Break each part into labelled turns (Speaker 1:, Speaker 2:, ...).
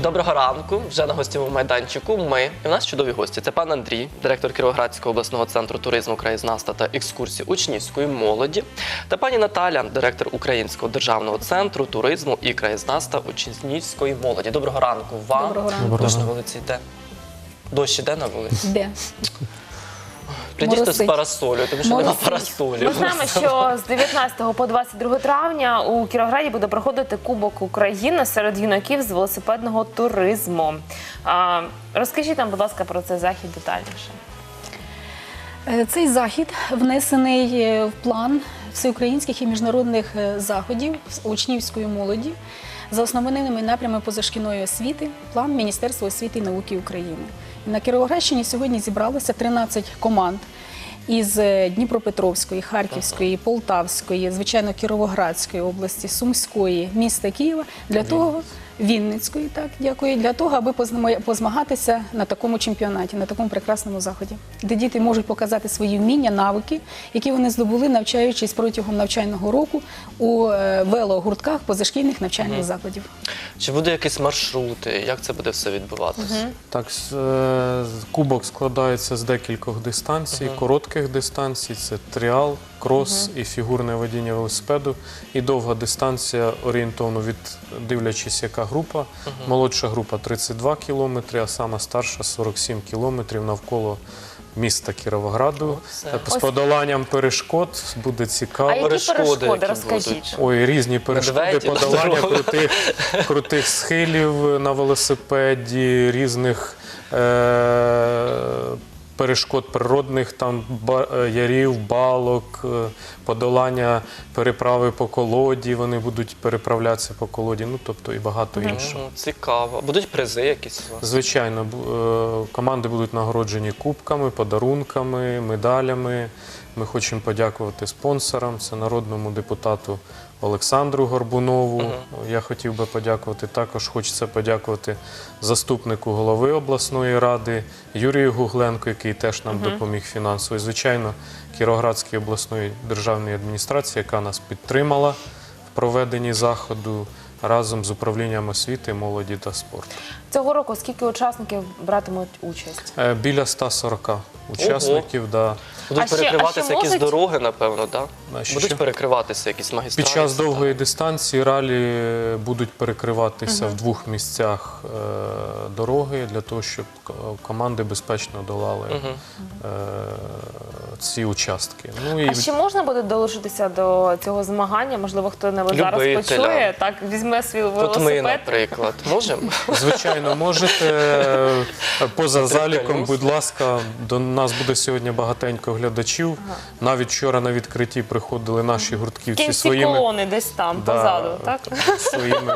Speaker 1: Доброго ранку. Вже на гостєвому майданчику ми. І в нас чудові гості. Це пан Андрій, директор Кіровоградського обласного центру туризму, краєзнавства та екскурсій учнівської молоді. Та пані Наталя, директор Українського державного центру туризму і краєзнавства учнівської молоді. Доброго ранку вам.
Speaker 2: Доброго ранку.
Speaker 1: Дощ на вулиці йде. Дощ іде на вулиці?
Speaker 2: Де?
Speaker 1: Прийдіть з парасолю, тому що нема парасолі.
Speaker 3: Ми знаємо, що з 19 по 22 травня у Кіровограді буде проходити Кубок України серед юнаків з велосипедного туризму. Розкажіть нам, будь ласка, про цей захід детальніше.
Speaker 2: Цей захід внесений в план всеукраїнських і міжнародних заходів з учнівської молоді за основними напрямами позашкільної освіти, план Міністерства освіти і науки України. На Кіровоградщині сьогодні зібралося 13 команд із Дніпропетровської, Харківської, Полтавської, звичайно, Кіровоградської області, Сумської, міста Києва, для того, Вінницької, так, дякую, для того, аби позмагатися на такому чемпіонаті, на такому прекрасному заході, де діти можуть показати свої вміння, навики, які вони здобули, навчаючись протягом навчального року у велогуртках позашкільних навчальних закладів.
Speaker 1: Чи буде якісь маршрути? Як це буде все відбуватися?
Speaker 4: Так, кубок складається з декількох дистанцій, коротких дистанцій, це тріал, крос і фігурне водіння велосипеду, і довга дистанція орієнтовно дивлячись, яка група. Молодша група 32 кілометри, а сама старша 47 кілометрів навколо міста Кіровограду. З подоланням перешкод буде цікаво.
Speaker 3: А які перешкоди, розкажіть?
Speaker 4: Ой, різні перешкоди, подолання крутих схилів на велосипеді, різних перешкод природних, там ярів, балок, подолання переправи по колоді, вони будуть переправлятися по колоді, ну тобто і багато іншого.
Speaker 1: Цікаво. Будуть призи якісь у вас?
Speaker 4: Звичайно, команди будуть нагороджені кубками, подарунками, медалями. Ми хочемо подякувати спонсорам, це народному депутату Олександру Горбунову. Я хотів би подякувати. Також хочеться подякувати заступнику голови обласної ради Юрію Гугленко, який теж нам допоміг фінансово. І, звичайно, Кіровоградській обласної державної адміністрації, яка нас підтримала в проведенні заходу разом з управлінням освіти, молоді та спорту.
Speaker 3: Цього року скільки учасників братимуть участь?
Speaker 4: Біля 140 учасників, да.
Speaker 1: Будуть перекриватися якісь дороги, напевно, так?
Speaker 4: Що?
Speaker 1: Будуть перекриватися якісь магістралі?
Speaker 4: Під час довгої дистанції ралі будуть перекриватися в двох місцях дороги, для того, щоб команди безпечно долали ці участки. Ну,
Speaker 3: А ще можна буде долучитися до цього змагання? Можливо, хто-небудь зараз почує, так, візьме свій велосипед?
Speaker 1: От ми, наприклад, можемо?
Speaker 4: Звичайно, можете. Поза заліком, будь ласка, до нас буде сьогодні багатенько глядачів. Навіть вчора на відкритті приходили наші гуртківці
Speaker 3: своїми... колони десь там, позаду, так?
Speaker 4: Своїми.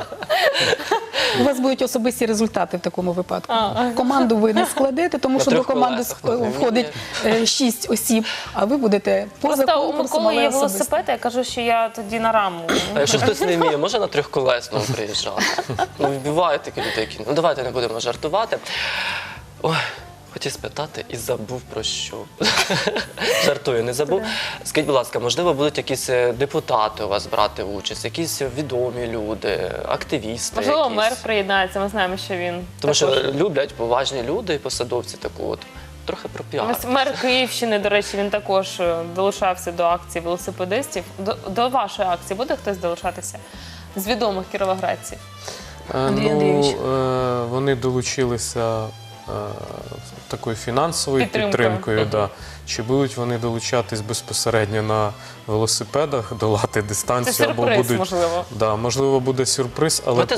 Speaker 2: У вас будуть особисті результати в такому випадку. Команду ви не складете, тому що до команди входить 6 осіб, а ви будете поза конкурсом.
Speaker 3: Просто у Миколи є велосипед, я кажу, що я тоді на раму.
Speaker 1: А якщо хтось не вміє, може на трьохколесному приїжджати? Ну, бувають такі люди, які... Ну, давайте не будемо жартувати. Ой, хотів спитати і забув про що. Жартую, не забув. Скажіть, будь ласка, можливо, будуть якісь депутати у вас брати участь, якісь відомі люди, активісти?
Speaker 3: Можливо, мер приєднається, ми знаємо, що він
Speaker 1: Тому що люблять поважні люди і посадовці таку от. Трохи про піар.
Speaker 3: Ось мер Київщини, до речі, він також долучався до акції велосипедистів. До вашої акції буде хтось долучатися з відомих кіровоградців?
Speaker 2: Андрій Андрійович.
Speaker 4: Вони долучилися такою фінансовою підтримкою. Да. Чи будуть вони долучатись безпосередньо на велосипедах, долати дистанцію?
Speaker 3: Це сюрприз,
Speaker 4: або будуть,
Speaker 3: можливо.
Speaker 4: Да, можливо, буде сюрприз,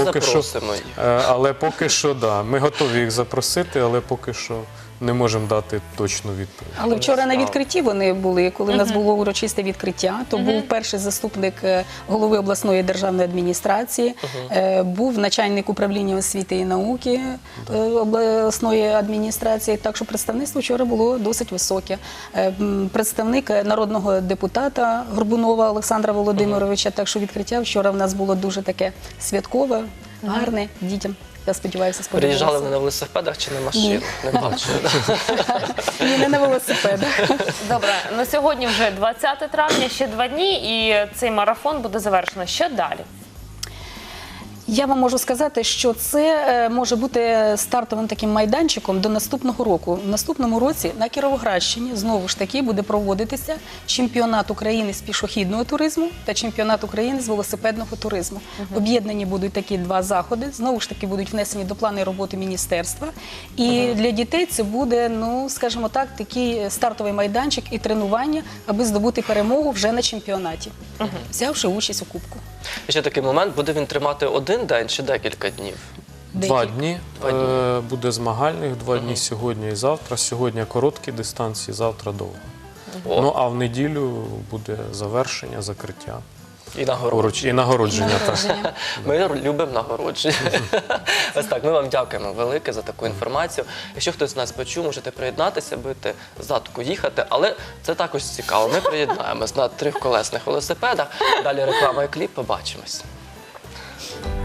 Speaker 4: але поки що, да, ми готові їх запросити, але поки що не можемо дати точну відповідь.
Speaker 2: Але вчора на відкритті вони були, коли в нас було урочисте відкриття, то був перший заступник голови обласної державної адміністрації, був начальник управління освіти і науки обласної адміністрації, так що представництво вчора було досить високе. Представник народного депутата Горбунова Олександра Володимировича, так що відкриття вчора в нас було дуже таке святкове, гарне дітям. Я сподіваюся, сподобалося.
Speaker 1: Приїжджали вони на велосипедах чи на машинах? Не бачу.
Speaker 2: Ні, не на велосипедах.
Speaker 3: Добре, на сьогодні вже 20 травня, ще 2 дні, і цей марафон буде завершено. Що далі?
Speaker 2: Я вам можу сказати, що це може бути стартовим таким майданчиком до наступного року. В наступному році на Кіровоградщині знову ж таки буде проводитися чемпіонат України з пішохідного туризму та чемпіонат України з велосипедного туризму. Об'єднані будуть такі два заходи, знову ж таки будуть внесені до плану роботи міністерства. І для дітей це буде, ну, скажімо так, такий стартовий майданчик і тренування, аби здобути перемогу вже на чемпіонаті, взявши участь у кубку.
Speaker 1: І ще такий момент, буде він тримати один день чи декілька днів?
Speaker 4: 2 дні.
Speaker 1: Два дні.
Speaker 4: Буде змагальних 2 дні сьогодні і завтра. Сьогодні короткі дистанції, завтра довго.
Speaker 1: О.
Speaker 4: Ну, а в неділю буде завершення, закриття.
Speaker 1: І нагородження.
Speaker 4: І нагородження. так.
Speaker 2: Нагородження.
Speaker 1: Ми любимо нагородження. Ось так, ми вам дякуємо велике за таку інформацію. Якщо хтось з нас почув, можете приєднатися, бити задку, їхати. Але це також цікаво. Ми приєднаємось на трьохколесних велосипедах. Далі реклама і кліп. Побачимось.